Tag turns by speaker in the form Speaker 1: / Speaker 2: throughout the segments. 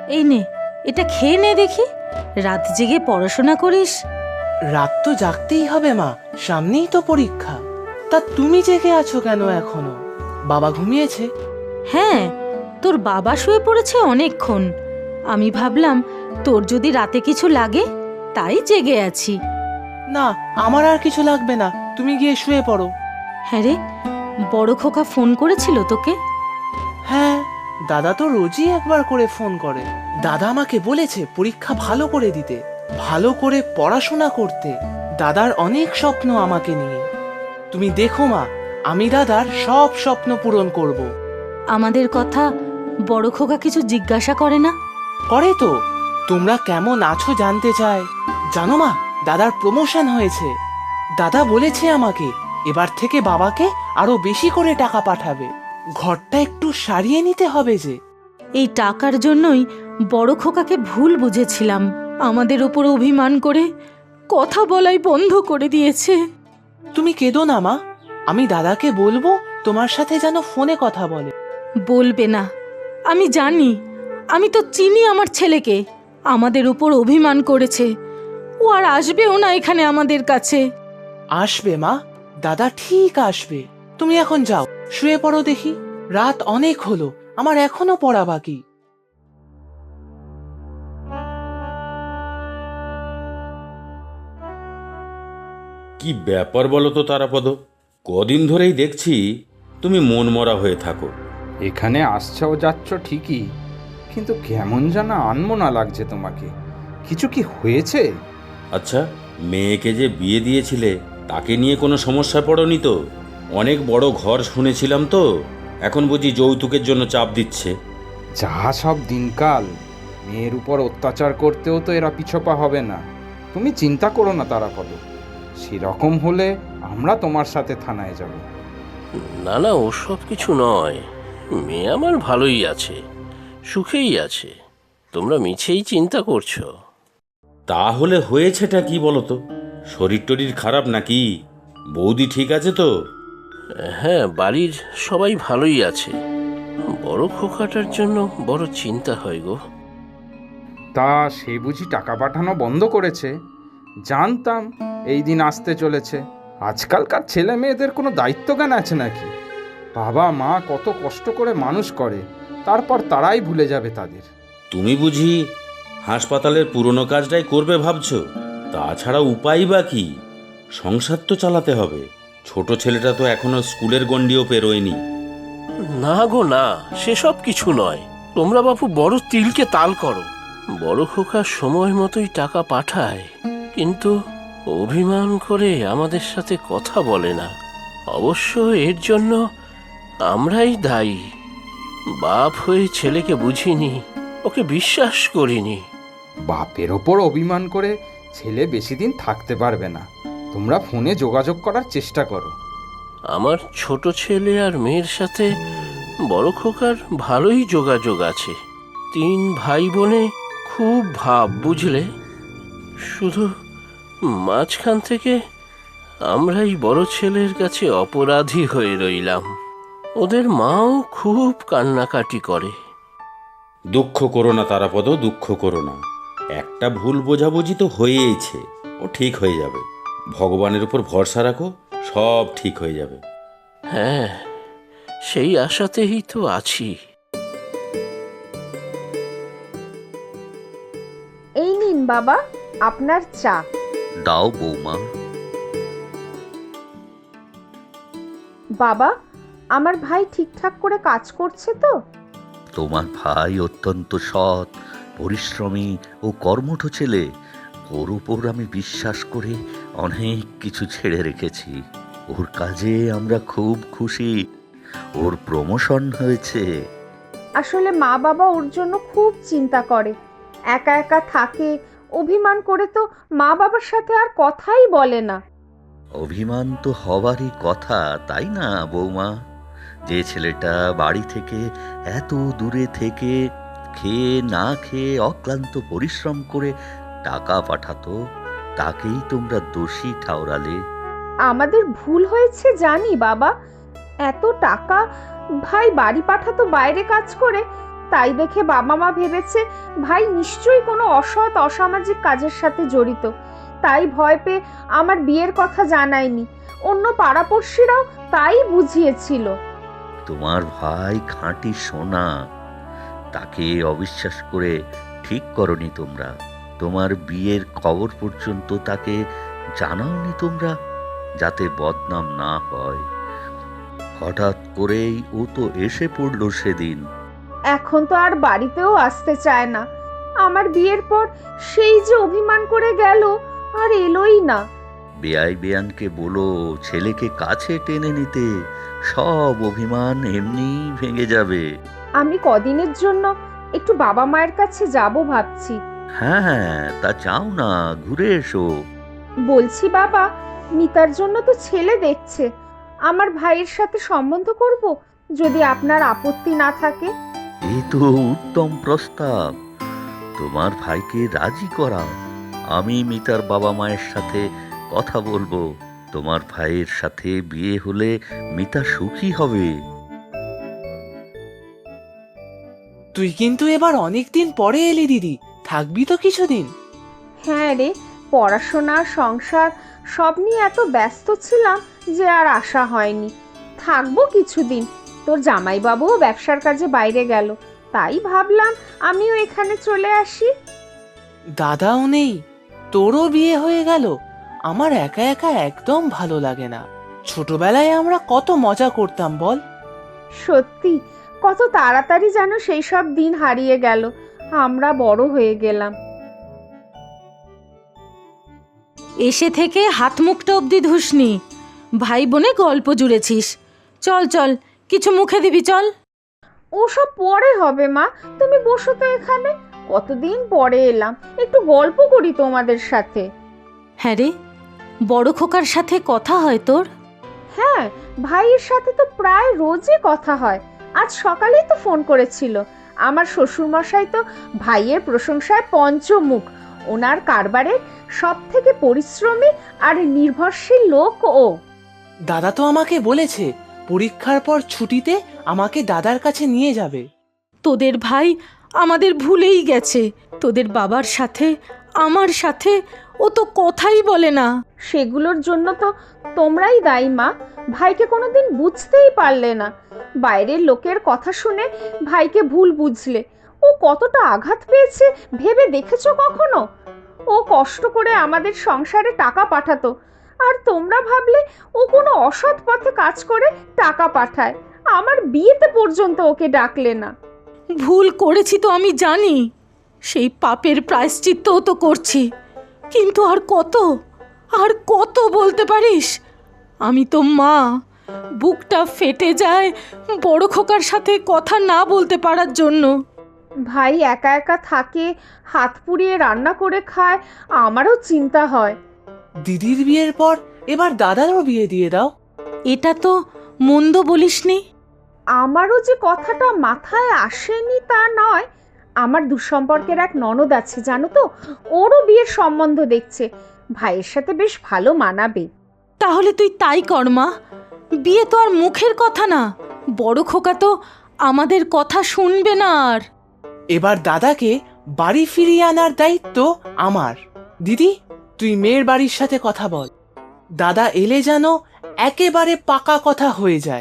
Speaker 1: এই নে, এটা খেয়ে নে দেখি। রাত জেগে পড়াশোনা করিস।
Speaker 2: রাত তো জাগতেই হবে মা, সামনেই তো পরীক্ষা। তা তুমি জেগে আছো কেন এখনো? বাবা ঘুমিয়েছে?
Speaker 1: হ্যাঁ, তোর বাবা শুয়ে পড়েছে অনেকক্ষণ। আমি ভাবলাম তোর যদি রাতে কিছু লাগে, তাই জেগে আছি।
Speaker 2: না, আমার আর কিছু লাগবে না, তুমি গিয়ে শুয়ে পড়ো।
Speaker 1: হ্যাঁ রে, বড় খোকা ফোন করেছিল তোকে?
Speaker 2: হ্যাঁ, দাদা তো রোজই একবার করে ফোন করে। দাদা আমাকে বলেছে পরীক্ষা ভালো করে দিতে, ভালো করে পড়াশোনা করতে। দাদার অনেক স্বপ্ন আমাকে নিয়ে। তুমি দেখো মা, আমি দাদার সব স্বপ্ন পূরণ করব।
Speaker 1: আমাদের কথা বড় খোকা কিছু জিজ্ঞাসা করে না?
Speaker 2: করে তো, তোমরা কেমন আছো জানতে চায়। জানো মা, দাদার প্রমোশন হয়েছে। দাদা বলেছে আমাকে এবার থেকে বাবাকে আরো বেশি করে টাকা পাঠাবে। ঘরটা একটু সারিয়ে নিতে হবে যে।
Speaker 1: এই টাকার জন্যই বড় খোকাকে ভুল বুঝেছিলাম। আমাদের ওপর অভিমান করে কথা বলাই বন্ধ করে দিয়েছে।
Speaker 2: তুমি কেঁদো না মা, আমি দাদাকে বলবো তোমার সাথে যেন ফোনে কথা বলে।
Speaker 1: বলবে না, আমি জানি। আমি তো চিনি আমার ছেলেকে। আমাদের উপর অভিমান করেছে। ও আর আসবেও না এখানে আমাদের কাছে।
Speaker 2: আসবে মা, দাদা ঠিক আসবে। তুমি এখন যাও, শুয়ে পড়ো দেখি। রাত অনেক হলো, আমার এখনো পড়া বাকি।
Speaker 3: কি ব্যাপার বলো তো তারাপদ? কদিন ধরেই দেখছি তুমি মনমরা হয়ে থাকো।
Speaker 4: এখানে আসছো যাচ্ছ ঠিকই, কিন্তু কেমন যেন আনমনা লাগছে তোমাকে। কিছু কি হয়েছে?
Speaker 3: আচ্ছা, মেয়েকে যে বিয়ে দিয়েছিলে তাকে নিয়ে কোনো সমস্যা পড়নি তো? অনেক বড় ঘর শুনেছিলাম তো, এখন বুঝি যৌতুকের জন্য চাপ দিচ্ছে?
Speaker 4: যা সব দিনকাল, মেয়ের উপর অত্যাচার করতেও তো এরা পিছপা হবে না। তুমি চিন্তা করো না তারাপদ, সেরকম হলে আমরা তোমার সাথে থানায় যাব।
Speaker 5: না না, ওসব কিছু নয়। মেয়ে আমার ভালোই আছে, সুখেই আছে। তোমরা মিছেই চিন্তা করছো।
Speaker 3: তাহলে হয়েছেটা কি বলো তো? শরীর টরীর খারাপ নাকি? বৌদি ঠিক আছে তো?
Speaker 5: হ্যাঁ, বাড়ির সবাই ভালোই আছে। বড় খোকাটার জন্য বড় চিন্তা হয় গো।
Speaker 4: তা সে বুঝি টাকা পাঠানো বন্ধ করেছে? জানতাম এই দিন আসতে চলেছে। আজকালকার ছেলে মেয়েদের কোনো দায়িত্ব জ্ঞান আছে নাকি? বাবা মা কত কষ্ট করে মানুষ করে, তারপর তারাই ভুলে যাবে তাদের।
Speaker 3: তুমি বুঝি হাসপাতালের পুরনো কাজটাই করবে ভাবছো? তাছাড়া উপায় বা কি? সংসার তো চালাতে হবে। ছোট ছেলেটা তো এখনো স্কুলের গণ্ডিও পেরোয়নি।
Speaker 5: না গো না, সেসব কিছু নয়। তোমরা বাপু বড় তিলকে তাল করো। বড় খোকা সময় মতোই টাকা পাঠায়, কিন্তু অভিমান করে আমাদের সাথে কথা বলে না। অবশ্য এর জন্য আমরাই দায়ী। বাপ হয়ে ছেলেকে বুঝিনি, ওকে বিশ্বাস করিনি।
Speaker 4: বাপের ওপর অভিমান করে ছেলে বেশি দিন থাকতে পারবে না। তোমরা ফোনে যোগাযোগ করার চেষ্টা করো।
Speaker 5: আমার ছোট ছেলে আর মেয়ের সাথে বড় খোকার ভালোই যোগাযোগ আছে। 3 ভাই বোনে খুব ভাব, বুঝলে। শুধু মাঝখান থেকে আমরাই বড় ছেলের কাছে অপরাধী হয়ে রইলাম। ওদের মাও খুব কান্নাকাটি করে।
Speaker 3: দুঃখ করো না তারাপদ, দুঃখ করো না। একটা ভুল বোঝাবুঝি তো হয়েইছে, ও ঠিক হয়ে যাবে। ভগবানের উপর ভরসা রাখো, সব ঠিক হয়ে যাবে।
Speaker 5: হ্যাঁ, সেই আশাতেই তো আছি।
Speaker 6: এই নিন বাবা, আপনার চা।
Speaker 7: দাও বৌমা।
Speaker 6: বাবা, আমার ভাই ঠিকঠাক করে কাজ করছে তো?
Speaker 7: তোমার ভাই অত্যন্ত সৎ, পরিশ্রমী ও কর্মঠ ছেলে। ওর উপর আমি বিশ্বাস করে অনেক কিছু ছেড়ে রেখেছি। ওর কাজে আমরা খুব খুশি। ওর প্রমোশন হয়েছে।
Speaker 6: আসলে মা বাবা ওর জন্য খুব চিন্তা করে। একা একা থাকে, অভিমান করে তো মা বাবার সাথে আর কথাই বলে না।
Speaker 7: অভিমান তো হবারই কথা, তাই না বৌমা? যে ছেলেটা বাড়ি থেকে এত দূরে থেকে খেয়ে না খেয়ে অক্লান্ত পরিশ্রম করে টাকা পাঠাতো, তাকেই তোমরা দোষী ঠাওরালে।
Speaker 6: আমাদের ভুল হয়েছে জানি বাবা। এত টাকা ভাই বাড়ি পাঠাতো বাইরে কাজ করে, তাই দেখে বাবা মা ভেবেছে ভাই নিশ্চয়ই কোনো অসৎ অসামাজিক কাজের সাথে জড়িত। তাই ভয় পেয়ে আমার বিয়ের কথা জানায়নি। অন্য পাড়াপড়শিরাও তাই বুঝিয়েছিল।
Speaker 7: তোমার ভাই খাঁটি সোনা, তাকে অবিশ্বাস করে ঠিক করনি তোমরা। তোমার বিয়ের খবর পর্যন্ত তাকে জানাওনি তোমরা, যাতে বদনাম না হয়। হঠাৎ করেই ও তো এসে পড়লো সেদিন।
Speaker 6: এখন তো আর বাড়িতেও আসতে চায় না। আমার বিয়ের পর সেই যে অভিমান করে গেল, আর এলোই না।
Speaker 7: বেয়াই বেয়ানকে বলো ছেলেকে কাছে টেনে নিতে, সব অভিমান এমনি ভেঙে যাবে।
Speaker 6: আমি কদিনের জন্য একটু বাবা মায়ের কাছে যাব ভাবছি।
Speaker 7: হ্যাঁ, তা চাও না, ঘুরে এসো।
Speaker 6: বলছি বাবা, মিতার জন্য তো ছেলে দেখছে। আমার ভাইয়ের সাথে সম্বন্ধ করব, যদি আপনার আপত্তি না থাকে।
Speaker 7: এই তো উত্তম প্রস্তাব। তোমার ভাইকে রাজি করাও। আমি মিতার বাবা মায়ের সাথে কথা বলবো। তোমার ভাইয়ের সাথে বিয়ে হলে মিতা সুখী হবে।
Speaker 2: তুই কিন্তু এবার অনেকদিন পরে এলি দিদি, থাকবি তো কিছুদিন?
Speaker 6: হ্যাঁ রে, পড়াশোনা সংসার সব নিয়ে এত ব্যস্ত ছিলাম যে আর আসা হয়নি। থাকবো কিছুদিন। তোর জামাইবাবুও ব্যবসার কাজে বাইরে গেল, তাই ভাবলাম আমিও এখানে চলে আসি।
Speaker 2: দাদাও নেই, তোরও বিয়ে হয়ে গেল। আমার একা একা একদম ভালো লাগে না। ছোটবেলায় আমরা কত মজা করতাম বল।
Speaker 6: সত্যি, কত তাড়াতাড়ি যেন সেই সব দিন হারিয়ে গেল। আমরা বড় হয়ে গেলাম।
Speaker 1: এসে থেকে হাত মুখটা অবধি ধুসনি, ভাই বোনে গল্প জুড়েছিস। চল চল, কিছু মুখে দিবি, চল।
Speaker 6: ওসব পরে হবে মা, তুমি বসো তো এখানে। কতদিন পরে এলাম, একটু গল্প করি তোমাদের সাথে।
Speaker 1: হ্যাঁ রে, বড় খোকার সাথে কথা হয় তোর?
Speaker 6: হ্যাঁ, ভাইয়ের সাথে তো প্রায় রোজই কথা হয়। আজ সকালেই তো ফোন করেছিল। আমার শ্বশুরমশাই তো ভাইয়ের প্রশংসায় পঞ্চমুখ। ওনার কারবারের সব থেকে পরিশ্রমী আর নির্ভরশীল লোক ও।
Speaker 2: দাদা তো আমাকে বলেছে পরীক্ষার পর ছুটিতে আমাকে দাদার কাছে নিয়ে যাবে।
Speaker 1: তোদের ভাই আমাদের ভুলেই গেছে। তোদের বাবার সাথে আমার সাথে ও তো কথাই বলে না।
Speaker 6: সেগুলোর জন্য তো তোমরাই দায়ী মা। ভাইকে কোনোদিন বুঝতেই পারলে না। বাইরের লোকের কথা শুনে ভাইকে ভুল বুঝলে। ও কতটা আঘাত পেয়েছে ভেবে দেখেছো কখনো? ও কষ্ট করে আমাদের সংসারে টাকা পাঠাতো, আর তোমরা ভাবলে ও কোনো অসৎ পথে কাজ করে টাকা পাঠায়। আমার বিয়েতে পর্যন্ত ওকে ডাকলে না।
Speaker 1: ভুল করেছি তো আমি জানি, সেই পাপের প্রায়শ্চিত্তও তো করছি। কিন্তু আর কত, আর কত বলতে পারিস? আমি তো মা, বুকটা ফেটে যায় বড় খোকার সাথে কথা না বলতে পারার জন্য।
Speaker 6: ভাই একা একা থাকে, হাত পুড়িয়ে রান্না করে খায়, আমারও চিন্তা হয়।
Speaker 2: দিদির বিয়ের পর এবার দাদারও বিয়ে দিয়ে দাও।
Speaker 1: এটা তো মন্দ বলিসনি।
Speaker 6: আমারও যে কথাটা মাথায় আসেনি তা নয়। আমার দুঃসম্পর্কের এক ননদ আছে জানো তো, ওরও বিয়ের সম্বন্ধ দেখছে। ভাইয়ের সাথে বেশ ভালো মানাবে।
Speaker 1: তাহলে তুই তাই কর মা। বিয়ে তো আর মুখের কথা না। বড় খোকা তো আমাদের কথা শুনবে না আর।
Speaker 2: এবার দাদাকে বাড়ি ফিরিয়ে আনার দায়িত্ব আমার। দিদি, তুই মেয়ের বাড়ির সাথে কথা বল। দাদা এলে যেন একেবারে পাকা কথা হয়ে যায়।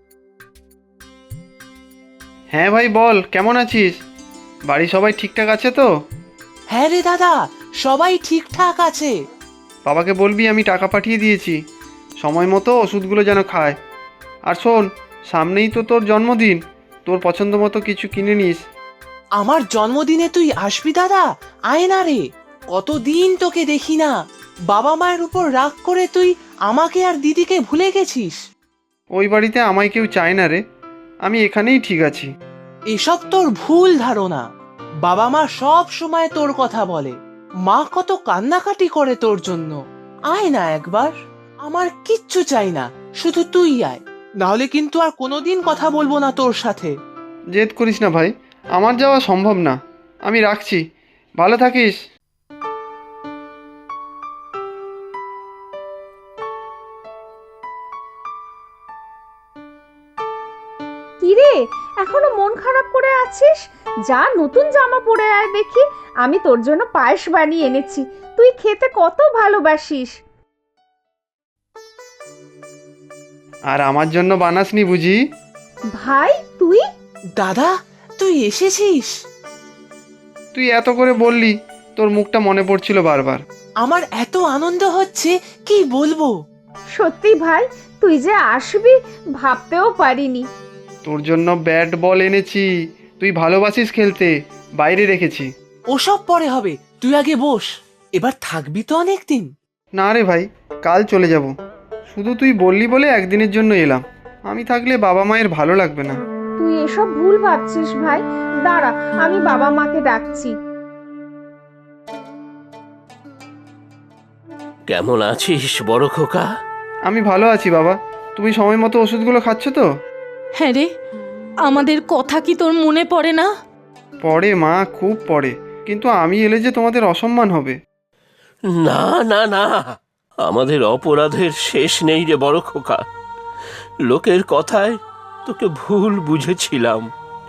Speaker 8: হ্যাঁ ভাই বল, কেমন আছিস? বাড়ি সবাই ঠিকঠাক আছে তো?
Speaker 2: হ্যাঁ রে দাদা, সবাই ঠিকঠাক আছে।
Speaker 8: বাবাকে বলবি আমি টাকা পাঠিয়ে দিয়েছি, সময় মতো ওষুধগুলো যেন খায়। আর শোন, সামনেই তো তোর জন্মদিন, তোর পছন্দ মতো কিছু কিনে নিস।
Speaker 2: আমার জন্মদিনে তুই আসবি দাদা? আয় না রে, কতদিন তোকে দেখি না। বাবা মায়ের উপর রাগ করে তুই আমাকে আর দিদিকে ভুলে গেছিস।
Speaker 8: ওই বাড়িতে আমায় কেউ চায় না রে, আমি এখানেই ঠিক আছি।
Speaker 2: এসব তোর ভুল ধারণা। বাবা মা সব সময় তোর কথা বলে। মা কত কান্নাকাটি করে তোর জন্য। আয় না একবার। আমার কিচ্ছু চাই না, শুধু তুই আয়। নাহলে কিন্তু আর কোনোদিন কথা বলবো না তোর সাথে।
Speaker 8: জেদ করিস না ভাই, আমার যাওয়া সম্ভব না। আমি রাখছি, ভালো থাকিস।
Speaker 6: কিরে, এখনো মন খারাপ করে আছিস? যা, নতুন জামা পরে আয় দেখি। আমি তোর জন্য পায়েস বানিয়ে এনেছি, তুই খেতে কত ভালোবাসিস।
Speaker 8: আর আমার জন্য বানাসনি বুঝি?
Speaker 6: ভাই তুই?
Speaker 2: দাদা, তুই এসেছিস?
Speaker 8: তুই এত করে বললি, তোর মুখটা মনে পড়ছিল বারবার।
Speaker 2: আমার এত আনন্দ হচ্ছে, কি বলবো।
Speaker 6: সত্যি ভাই, তুই যে আসবি ভাবতেও পারিনি।
Speaker 8: তোর জন্য ব্যাট বল এনেছি, তুই ভালোবাসিস খেলতে, বাইরে রেখেছি।
Speaker 2: ওসব পরে হবে, তুই আগে বস। এবার থাকবি তো অনেক দিন?
Speaker 8: না রে ভাই, কাল চলে যাব। শুধু তুই বললি বলে একদিনের জন্য এলাম। আমি থাকলে বাবা মায়ের ভালো লাগবে না।
Speaker 6: তুই এসব ভুল ভাবছিস ভাই। দাঁড়া, আমি বাবা মাকে ডাকছি।
Speaker 5: কেমন আছিস বড় খোকা?
Speaker 8: আমি ভালো আছি বাবা। তুমি সময় মতো ওষুধগুলো খাচ্ছ তো?
Speaker 1: হ্যাঁ রে, আমাদের কথা কি তোর মনে পড়ে না?
Speaker 8: পড়ে মা, খুব পড়ে। কিন্তু আমি এলে যে তোমাদের অসম্মান হবে।
Speaker 5: না না না, আমাদের অপরাধের শেষ নেই রে বড় খোকা। লোকের কথায় তোকে ভুল বুঝেছিলাম,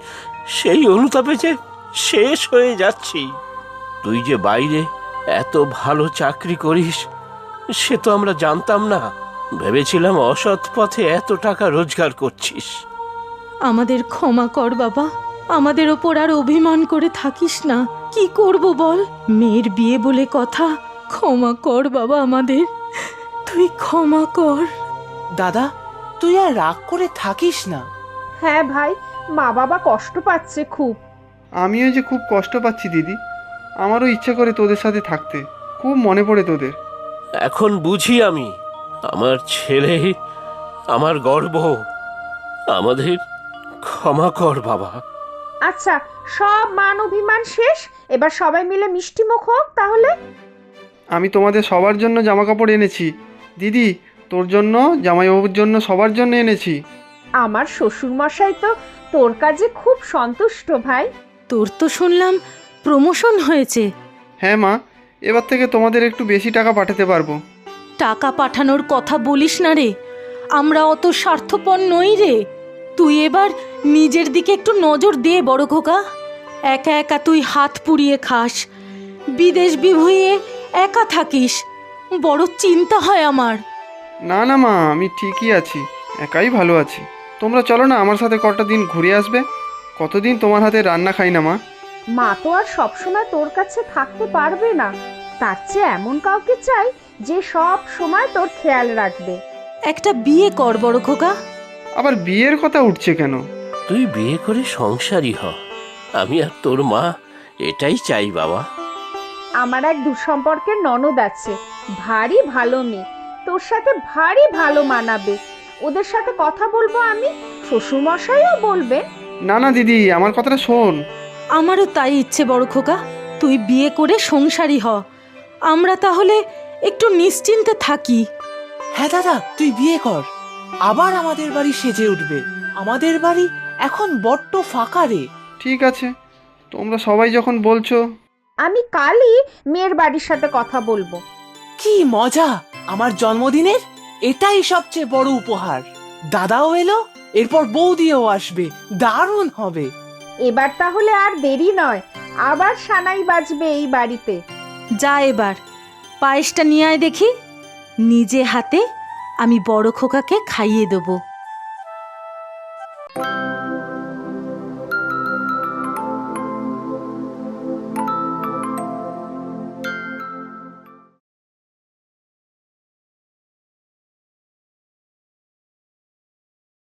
Speaker 5: সেই অনুতাপে যে শেষ হয়ে যাচ্ছি। তুই যে বাইরে এত ভালো চাকরি করিস সে তো আমরা জানতাম না। ভেবেছিলাম অসৎ পথে এত টাকা রোজগার করছিস।
Speaker 1: আমাদের ক্ষমা কর বাবা, আমাদের ওপর আর অভিমান করে থাকিস না। কি করব বল, মেয়ের বিয়ে বলে কথা। ক্ষমা কর বাবা আমাদের, তুই ক্ষমা কর।
Speaker 2: দাদা, তুই আর রাগ করে থাকিস না।
Speaker 6: হ্যাঁ ভাই, মা বাবা কষ্ট পাচ্ছে খুব।
Speaker 8: আমিও যে খুব কষ্ট পাচ্ছি দিদি। আমারও ইচ্ছে করে তোদের সাথে থাকতে, খুব মনে পড়ে তোদের।
Speaker 5: এখন বুঝি আমি, আমার ছেলে আমার গর্ব। আমাদের ক্ষমা কর বাবা।
Speaker 6: আচ্ছা, সব মান অভিমান শেষ, এবার সবাই মিলে মিষ্টি মুখ হোক তাহলে।
Speaker 8: আমি তোমাদের সবার জন্য জামা কাপড় এনেছি দিদি, তোর জন্য, জামাইবাবুর জন্য, সবার জন্য এনেছি।
Speaker 6: আমার শ্বশুর মশাই তো তোর কাজে খুব সন্তুষ্ট ভাই।
Speaker 1: তোর তো শুনলাম প্রমোশন হয়েছে।
Speaker 8: হ্যাঁ মা, এবার থেকে তোমাদের একটু বেশি টাকা পাঠাতে পারবো।
Speaker 1: টাকা পাঠানোর কথা বলিস না রে, আমরা অত স্বার্থপর নই রে। তুই এবার নিজের দিকে একটু নজর দে বড় খোকা। একা একা তুই হাত পুড়িয়ে খাস, বিদেশ বিভুঁইয়ে একা থাকিস, বড় চিন্তা হয় আমার।
Speaker 8: না না মা, আমি ঠিকই আছি, একাই ভালো আছি। তোমরা চলো না আমার সাথে কটা দিন ঘুরে আসবে। কতদিন তোমার হাতে রান্না খাই না মা।
Speaker 6: মা তো আর সবসময় তোর কাছে থাকতে পারবে না, তার চেয়ে এমন কাউকে চাই যে সব সময় তোর খেয়াল রাখবে।
Speaker 1: একটা বিয়ে কর বড় খোকা।
Speaker 8: আবার বিয়ের কথা উঠছে কেন?
Speaker 5: তুই বিয়ে করে সংসারী হ, আমি আর তোর মা এটাই চাই বাবা।
Speaker 6: আমার এক দুঃসম্পর্কের ননদ আছে, ভারী ভালো মেয়ে, তোর সাথে ভারী ভালো মানাবে। ওদের সাথে কথা বলবো আমি, শ্বশুরমশাইও বলবে।
Speaker 8: না না দিদি, আমার কথাটা শোন।
Speaker 1: আমারও তাই ইচ্ছে বড় খোকা, তুই বিয়ে করে সংসারী হ, আমরা তাহলে একটু নিশ্চিন্তে থাকি।
Speaker 2: হ্যাঁ দাদা, তুই বিয়ে কর, আবার আমাদের বাড়ি সেজে উঠবে। আমাদের বাড়ি এখন বড্ড ফাঁকা রে।
Speaker 8: ঠিক আছে, তোমরা সবাই যখন বলছো।
Speaker 6: আমি কালই মেয়ের বাড়ির সাথে কথা বলবো।
Speaker 2: কি মজা, আমার জন্মদিনের এটাই সবচেয়ে বড় উপহার। দাদাও এলো, এরপর বৌদিও আসবে, দারুণ হবে।
Speaker 6: এবার তাহলে আর দেরি নয়, আবার সানাই বাজবে এই বাড়িতে।
Speaker 1: যা এবার পায়েসটা নিয়ে আয় দেখি, নিজে হাতে আমি বড় খোকাকে খাইয়ে দেবো।